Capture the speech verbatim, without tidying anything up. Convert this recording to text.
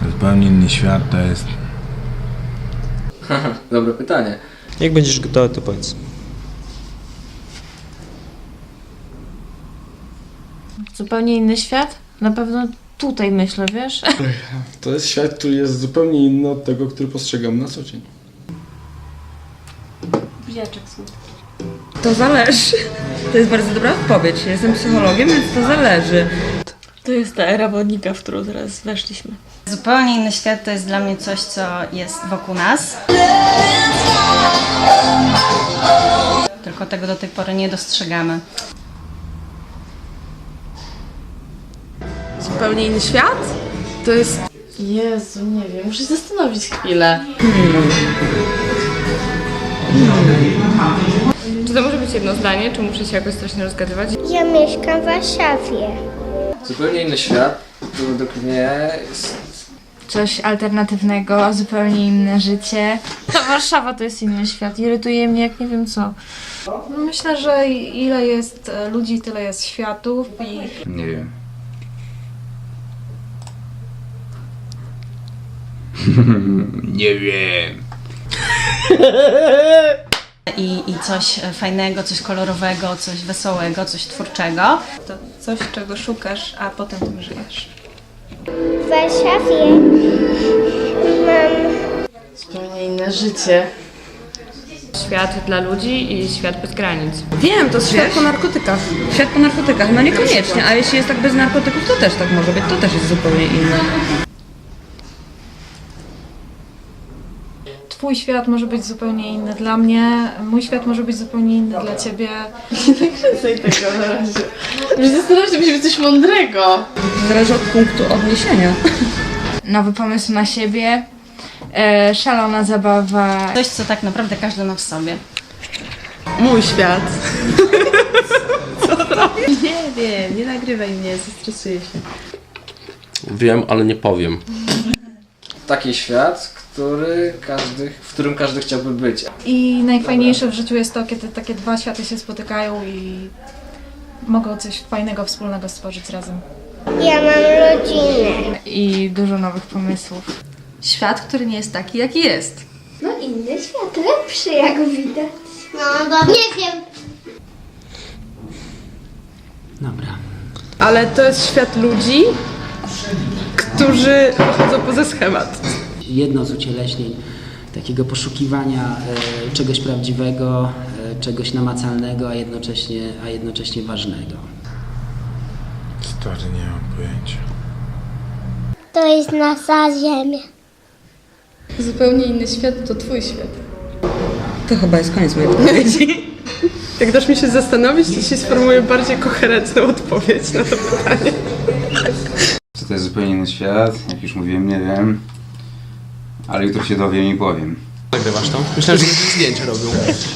Zupełnie inny świat to jest... Dobre pytanie. Jak będziesz gotowy, to powiedz. Zupełnie inny świat? Na pewno tutaj myślę, wiesz? To jest świat, który jest zupełnie inny od tego, który postrzegam na co dzień. Buziaczek słów. To zależy. To jest bardzo dobra odpowiedź. Jestem psychologiem, więc to zależy. To jest ta era wodnika, w którą teraz weszliśmy. Zupełnie inny świat to jest dla mnie coś, co jest wokół nas. Tylko tego do tej pory nie dostrzegamy. Zupełnie inny świat? To jest... Jezu, nie wiem, muszę się zastanowić chwilę. Czy to może być jedno zdanie, czy muszę się jakoś strasznie rozgadywać? Ja mieszkam w Warszawie. Zupełnie inny świat, to według mnie jest... Coś alternatywnego, zupełnie inne życie. Warszawa to jest inny świat, irytuje mnie jak nie wiem co. Myślę, że ile jest ludzi, tyle jest światów i... Nie wiem. Nie wiem. I, I coś fajnego, coś kolorowego, coś wesołego, coś twórczego. To coś, czego szukasz, a potem tym żyjesz. W Warszawie mam... Zupełnie inne życie. Świat dla ludzi i świat bez granic. Wiem, to jest świat po narkotykach. Świat po narkotykach, no niekoniecznie, a jeśli jest tak bez narkotyków, to też tak może być, to też jest zupełnie inne. Twój świat może być zupełnie inny dla mnie, mój świat może być zupełnie inny dla ciebie. Nie kręcaj tego na razie. Już zastanawiam się, żeby coś mądrego. Zależy od punktu odniesienia. Nowy pomysł na siebie, e, szalona zabawa. Coś, co tak naprawdę każdy ma w sobie. Mój świat. Nie wiem, nie nagrywaj mnie, zestresuję się. Wiem, ale nie powiem. Taki świat, który każdy, w którym każdy chciałby być. I najfajniejsze w życiu jest to, kiedy takie dwa światy się spotykają i mogą coś fajnego, wspólnego stworzyć razem. Ja mam rodzinę. I dużo nowych pomysłów. Świat, który nie jest taki, jaki jest. No inny świat, lepszy jak widać. No dobra. Nie wiem. Dobra. Ale to jest świat ludzi, którzy chodzą poza schemat. Jedno z ucieleśnień takiego poszukiwania e, czegoś prawdziwego, e, czegoś namacalnego, a jednocześnie, a jednocześnie ważnego. Stary, nie mam pojęcia. To jest nasza ziemia. Zupełnie inny świat to twój świat. To chyba jest koniec mojej odpowiedzi. Jak dasz mi się zastanowić, to ci sformułuję bardziej koherentną odpowiedź na to pytanie. Co to jest zupełnie inny świat? Jak już mówiłem, nie wiem. Ale jutro się dowiem i powiem. Nagrywasz to? Myślałem, że zdjęcie robią.